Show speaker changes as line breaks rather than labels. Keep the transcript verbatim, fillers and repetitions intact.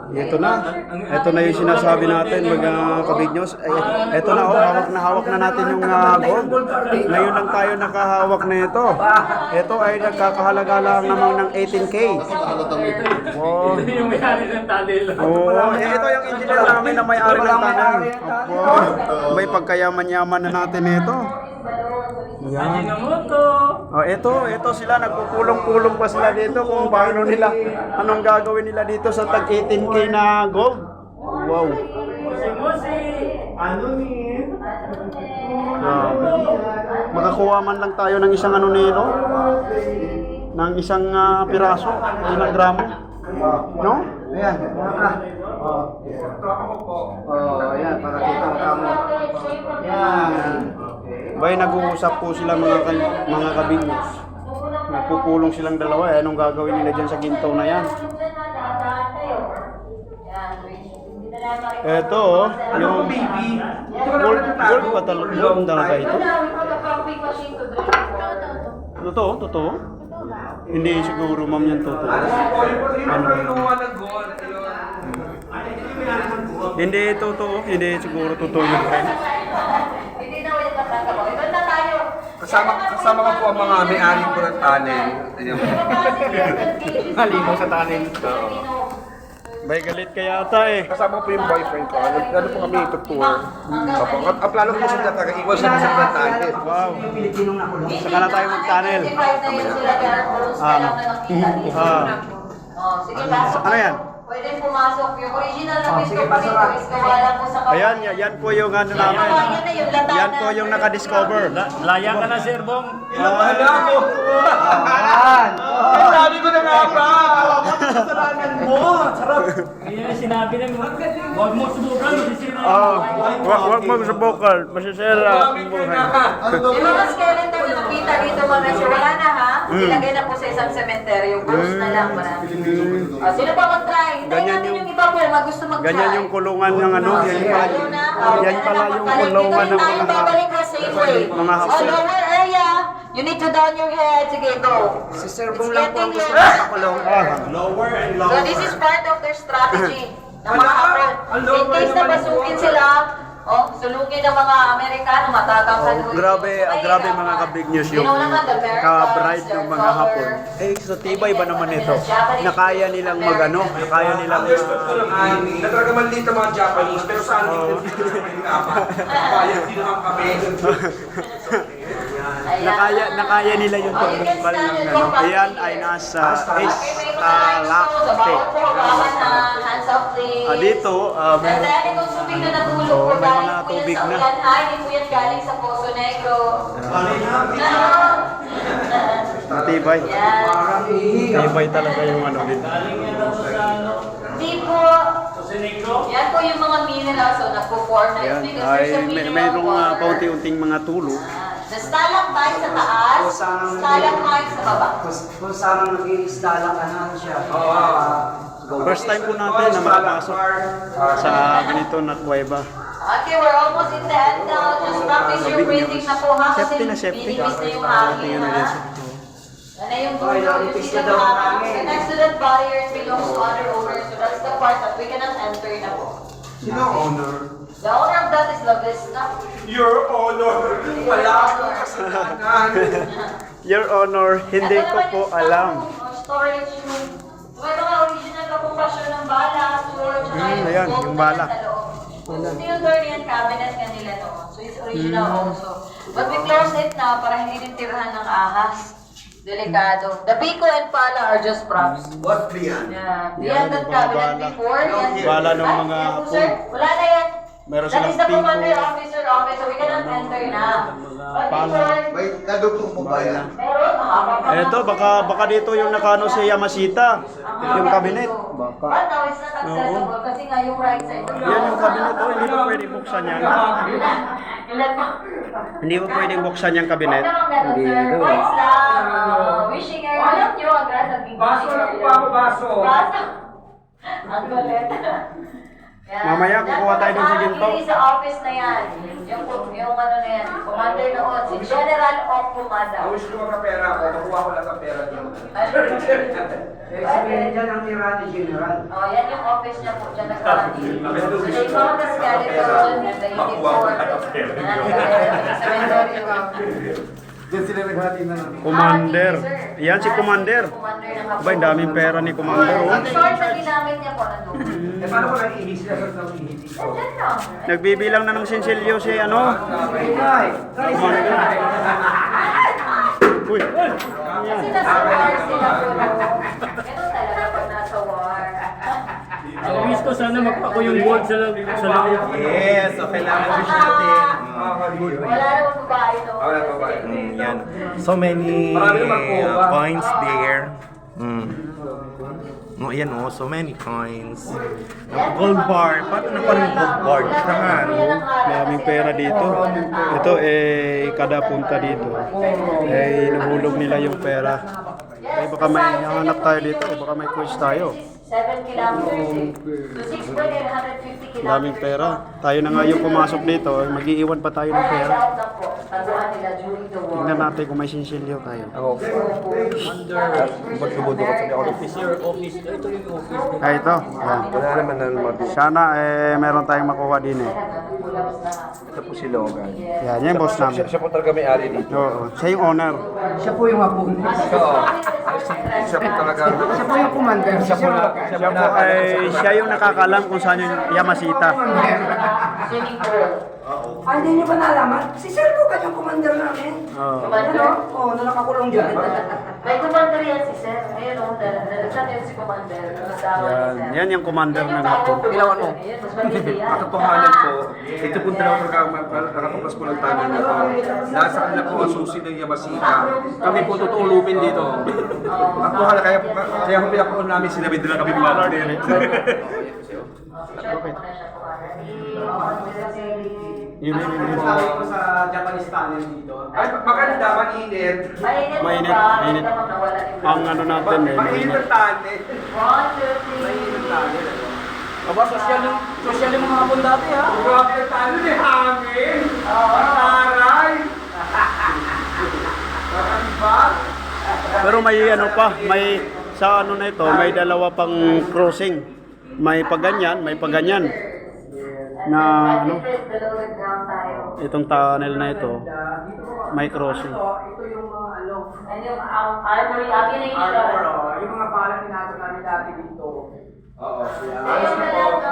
Ito na. Ito na yung sinasabi natin, mga kabig news. Ay, ito na, oh, hawak na hawak na natin yung uh, gold. Ngayon lang tayo nakahawak na ito. Ito ay nagkakahalaga lang naman ng eighteen K. Wow.
Ito yung may-ari ng tunnel.
Oo, eh, ito yung engineer namin na may-ari ng tunnel. Wow. May pagkayaman-yaman na natin ito. Yan.
Ajinomoto.
Oh, ito, ito sila nagpupulong-pulong pa sila dito kung paano nila, anong gagawin nila dito sa tag eighteen K na gold. Wow.
Musi-musi.
Ano ni? Makakuha man lang tayo ng isang ano nito, ng isang uh, piraso, ilang gramo. No?
Ayan, maka. Oh, oh, ayan, para kita ang kamo. Yan.
Bay, nag-uusap po sila mga kan- mga kabignos. Nagpupulong silang dalawa, eh, anong gagawin nila dyan sa ginto na yan? Eto, oh, yung gold, gold pa talaga, gold talaga ito. Totoo, totoo. Hindi siguro ma'am yan totoo. Ano? Hindi totoo, hindi siguro totoo yung friend.
Kasama, kasama ko po ang mga may-ari po ng tunnel. Ayun.
Halino sa tunnel.
Bay, galit kaya ata eh.
Kasama po yung boyfriend ko. Ano, ano po kami itutour. Opo. At ang plano ko sila taga-iwas sa isang ng tunnel.
Wow. Saka na tayo mag-tunnel. Ano? Ah.
Sige, pasok.
Ano yan?
Pwede pumasok. Yung original na
Oh,
Miss
sige,
Complete
pasok.
is kawala po sa kapatid.
Ayan, yan, yan po yung ano namin.
Yan na yung lata
Yan
na-
po yung nakadiscover.
Laya ka na, Sir Bong.
Wala ko!
Ayan.
Sabi ko na nga ba! Kasalanan mo! Sarap!
Kaya sinabi na, huwag mo subukan, masisira.
Oh, wag wag mo sa vocal, masisira ang buhay.
Yung mga skeleton na nakita dito mga sir, wala na ha? Ilagay na po sa isang cemetery. Yung ghost na lang. Marami. Oh, sino pa mag-try? Hintayin
Ganyan
natin
yung-
yung iba po. Mag gusto mag-try.
Ganyan yung kulungan ng ano, yan pala,
Lalo na, oh,
yan pala yung kulungan ng
Dito rin tayo
mga
babalik sa safe way.
mga
So,
hapon.
lower area, you need to down your head. Sige, go.
Si Sir
It's
Bong lang po ang
getting
gusto
late.
ng kulong.
Ah,
So this is part of their strategy ng mga hapon. In case na basukin sila, oh, sulugin ng mga Amerikano, matatangkan
oh, grabe, ah, grabe mga ka-big news yung ka-bright ng mga hapon. Eh, sa tibay ba naman ito? Nakaya nilang magano, nakaya nilang ah,
Nagkagaman dito mga Japanese, pero sa amin, dito naman yung kapal. Bayad din naman kami.
nakaya nakaya nila yung pagbumbal ng ano. Ayan ay nasa Escalante. Ah, dito, ah, may-
Dahil itong tubig na natulog
Oo,
po,
may
galing
mga
po yan
tubig
sa
na.
Ulan High, hindi po yan galing sa Poso Negro.
matibay.
Yan.
Tibay talaga yung ano din.
Hindi po.
Negro.
Yan po yung mga minerals so nagpo-form na
Ayan,
because
ay
there's a
may,
mineral
mayroong uh,
water.
paunti-unting mga tulo.
The stalactite sa taas, stalagmite sa baba.
Kung, kung saan nag-iisda lang ano siya.
First time po natin na makapasok sa ganito na kuweba.
Okay, we're almost in the end now. Just practice your breathing na po ha. Kasi
Safety na safety.
binibis na yung hangin
Tingnan
ha.
natin.
Yan na yung
Okay,
dulo. You
nalipis
see
na
the
daw ang
hangin.
hangin.
The next to that barrier belongs to other owners. So that's the part that we cannot enter na po.
Sino ang owner?
The owner of that is La Vista.
Your honor! Wala akong kasalanan!
Your Honor, hindi
Ito
ko
naman
po
yung
alam.
stock room, or storage room. May mga original na kumpasyon ng bala, storage, tsaka
Mm,
yung
ayan,
gold
yung
na
bala.
nasa loob. Steel door yan, cabinet nga nila noon. So it's original also. But we close it now para hindi din tirahan ng ahas. Delikado. The Pico and Pala are just props.
What beyond?
Yeah.
Yan,
Beyond that
yung mga
cabinet
bala.
before. Yan.
Bala ng
Ah,
mga
yan po,
pool.
sir. Wala na yan.
Meron
That
silang
is the
Pico.
commander officer office, so we cannot enter na. But
Pala.
before,
May nadugtong mo ba yan?
meron, mahaba pa
Eto,
nga.
baka baka dito yung nakano si Yamashita. Yung cabinet.
Baka. But now it's not accessible kasi nga yung right side.
Yan yung cabinet. Oh, hindi pa pwedeng buksan yan.
Ilan mo?
Hindi pa pwedeng buksan yung cabinet.
Huwag naman ganun, sir. Points lang. Uh, wishing area. Alam nyo, agad ang big
Baso lang po ako, baso.
Baso. Ang kulit. Yan.
Mamaya, kukuha tayo dun sa ginto.
Yan, sa office na yan. Yung, yung ano na yan. Commander noon. Si General of Pumada.
Ang wish ko magkapera ako, makuha ko lang ang pera dito.
Eh, sabihin dyan ang tira ni General.
Oh, yan yung office. office niya po, dyan nagkakaroon. So they found the skeleton and the uniform. Sa cemetery.
Diyan sila naghati na namin.
Commander. Yan si Commander.
Commander ng Hapon.
Ba, ang daming pera ni Commander, oh.
Ang short na ginamit niya po nandun.
Eh, paano ko nag-ihis sila sa nag-ihis?
Nandyan lang.
Nagbibilang na ng sinsilyo si ano.
Ay,
Commander. Uy.
Kasi nasa war sila po. Ganun talaga pag nasa war.
Ang wish ko sana magpako yung gold sa sa loob.
Yes, so kailangan wish natin.
Wala namang babae no.
Wala namang babae.
Mm, yan. So many
Marami naman po,
uh,
ba?
coins there. Mm. No, ayan oh, so many coins. Gold bar. Paano na parang gold bar? Saan?
Maraming pera dito. Ito eh, kada punta dito. Eh, nahulog nila yung pera. Eh, baka may hanap tayo dito. Baka may quiz tayo.
seven kilometers eh. So six point eight fifty kilometers.
Daming pera. Tayo na nga yung pumasok dito. eh, Mag-iiwan pa tayo ng
Find
pera.
out na po. Taguan nila during the war.
Tingnan natin kung may sinsilyo tayo.
Okay. Ba't lumudukot sa ako?
Office your office. Ito yung office.
Ah, ito. Yan.
Wala naman na lumabis.
Sana eh, meron tayong makuha din eh.
Ito po si Logan.
Yan, yan yung boss
Siya,
namin.
siya po talaga may-ari dito.
Oo. Siya yung owner.
siya po yung hapon.
Oo. Siya po talaga.
Siya po yung commander.
Siya po na.
Siya po ay siya yung nakakalam kung saan yung Yamasita.
Swimming pool.
Ay, hindi niyo ba nalaman? Si Sir Lucas yung commander namin.
Oo.
Ano? Oo, na nakakulong dyan.
May commander yan si Sir. Ayun o, nalagsan yun si commander. Asawa ni
Yan,
Sir.
yan yung commander
Yan
ng
yung
hapon.
bago
Ginawa mo?
Ayun, mas matindi yan.
Katotohanan po, ito po dalawa nakatupas po ng tanong na to. Nasa kanila po ang susi ng Yamasita. Kami po tutulupin dito. Katotohanan, kaya, kaya kung pinapuon namin sila, may dala kami mga direct.
Okay.
Yun, yun, yun, yun.
ko sa Japanese tunnel dito.
Ay, maganda, mainit.
Mainit mo
Mainit,
ba?
mainit.
Naman nawala yung
Ang ano natin eh,
Mainit
mainit.
ang tali.
One, two, three.
Aba, social yung social yung mga hapon dati ha.
Grabe ang tali ni hangin.
Oo.
Aray. Parang ba?
Pero may ano pa, may sa ano na ito, may dalawa pang crossing. May paganyan, may paganyan. Na ano,
Below the ground tayo.
itong tunnel na ito, may crossing.
Ito yung mga ano.
And yung um, armory, ammunition.
Armor, oh. Yung mga balang tinato namin dati dito.
Oo.
Ayun na lang,